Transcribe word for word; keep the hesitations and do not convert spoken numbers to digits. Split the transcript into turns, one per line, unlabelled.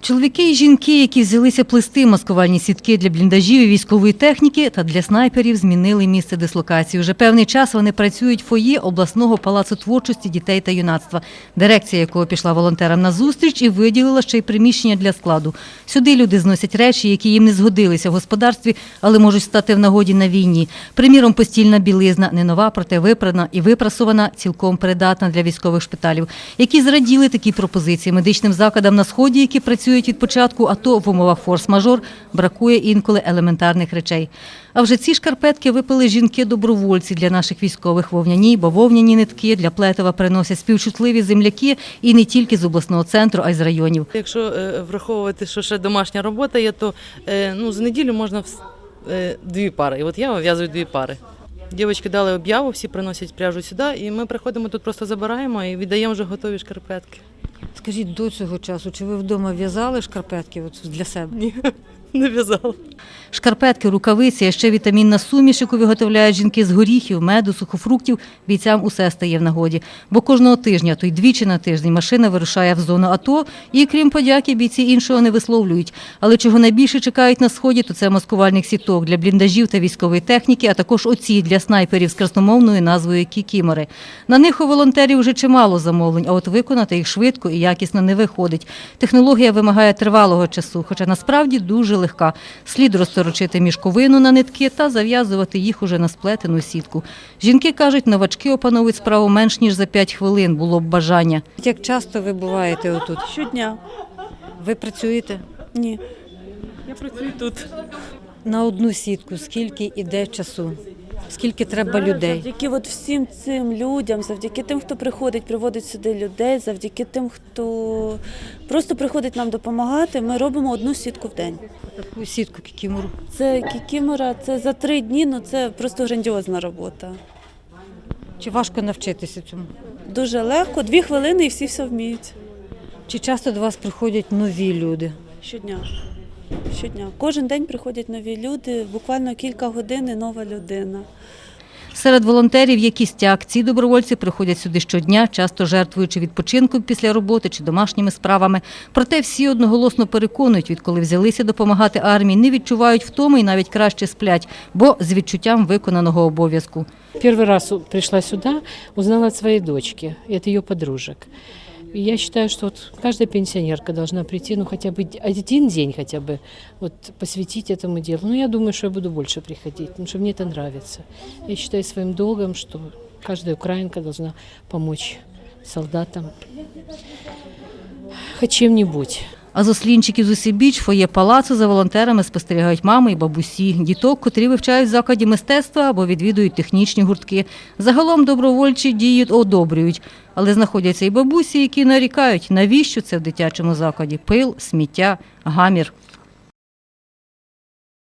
Чоловіки і жінки, які взялися плести маскувальні сітки для бліндажів і військової техніки та для снайперів, змінили місце дислокації. Уже певний час вони працюють в фоє обласного палацу творчості дітей та юнацтва, дирекція якого пішла волонтерам на зустріч і виділила ще й приміщення для складу. Сюди люди зносять речі, які їм не згодилися в господарстві, але можуть стати в нагоді на війні. Приміром, постільна білизна, не нова, проте випрана і випрасована, цілком придатна для військових шпиталів, які зраділи такі пропозиції медичним закладам на Сході, які працюють від початку АТО в умовах форс-мажор, бракує інколи елементарних речей. А вже ці шкарпетки випили жінки-добровольці для наших військових. Вовняні, бавовняні нитки для плетива приносять співчутливі земляки і не тільки з обласного центру, а й з районів.
Якщо е, враховувати, що ще домашня робота є, то е, ну, за неділю можна е, дві пари. І от я вив'язую дві пари. Дівчатки дали об'яву, всі приносять пряжу сюди, і ми приходимо тут, просто забираємо і віддаємо вже готові шкарпетки.
Скажіть, до цього часу, чи ви вдома в'язали шкарпетки от для себе?
Ні, не в'язала.
Шкарпетки, рукавиці, а ще вітамінна суміш, яку виготовляють жінки з горіхів, меду, сухофруктів, бійцям усе стає в нагоді. Бо кожного тижня, то й двічі на тиждень, машина вирушає в зону АТО і, крім подяки, бійці іншого не висловлюють. Але чого найбільше чекають на Сході, то це маскувальних сіток для бліндажів та військової техніки, а також оці для снайперів з красномовною назвою «Кікімори». На них у волонтерів вже чимало замовлень, а от виконати їх швидко і якісно не виходить. Технологія вимагає тривалого часу, хоча насправді дуже легка. Слід розторочити мішковину на нитки та зав'язувати їх уже на сплетену сітку. Жінки кажуть, новачки опановують справу менш ніж за п'ять хвилин, було б бажання. Як часто ви буваєте отут?
Щодня.
Ви працюєте?
Ні. Я працюю тут.
На одну сітку скільки іде часу? Скільки треба людей?
Завдяки от всім цим людям, завдяки тим, хто приходить, приводить сюди людей, завдяки тим, хто просто приходить нам допомагати, ми робимо одну сітку в день.
Таку сітку кікімору.
Це кікімора, це за три дні, ну це просто грандіозна робота.
Чи важко навчитися цьому?
Дуже легко, дві хвилини і всі все вміють.
Чи часто до вас приходять нові люди?
Щодня. Щодня. Кожен день приходять нові люди, буквально кілька годин і нова людина.
Серед волонтерів є кістяк. Ці добровольці приходять сюди щодня, часто жертвуючи відпочинком після роботи чи домашніми справами. Проте всі одноголосно переконують, відколи взялися допомагати армії, не відчувають втоми і навіть краще сплять, бо з відчуттям виконаного обов'язку.
Первый раз пришла сюда, узнала от своей дочки, от ее подружек. И я считаю, что вот каждая пенсионерка должна прийти, ну хотя бы один день хотя бы вот посвятить этому делу. Ну я думаю, что я буду больше приходить, потому что мне это нравится. Я считаю своим долгом, что каждая украинка должна помочь солдатам хоть чем-нибудь.
А з ослінчиків з усібіч фоє палацу за волонтерами спостерігають мами і бабусі, діток, котрі вивчають в закладі мистецтва або відвідують технічні гуртки. Загалом добровольчі дії одобрюють, але знаходяться і бабусі, які нарікають, навіщо це в дитячому закладі – пил, сміття, гамір.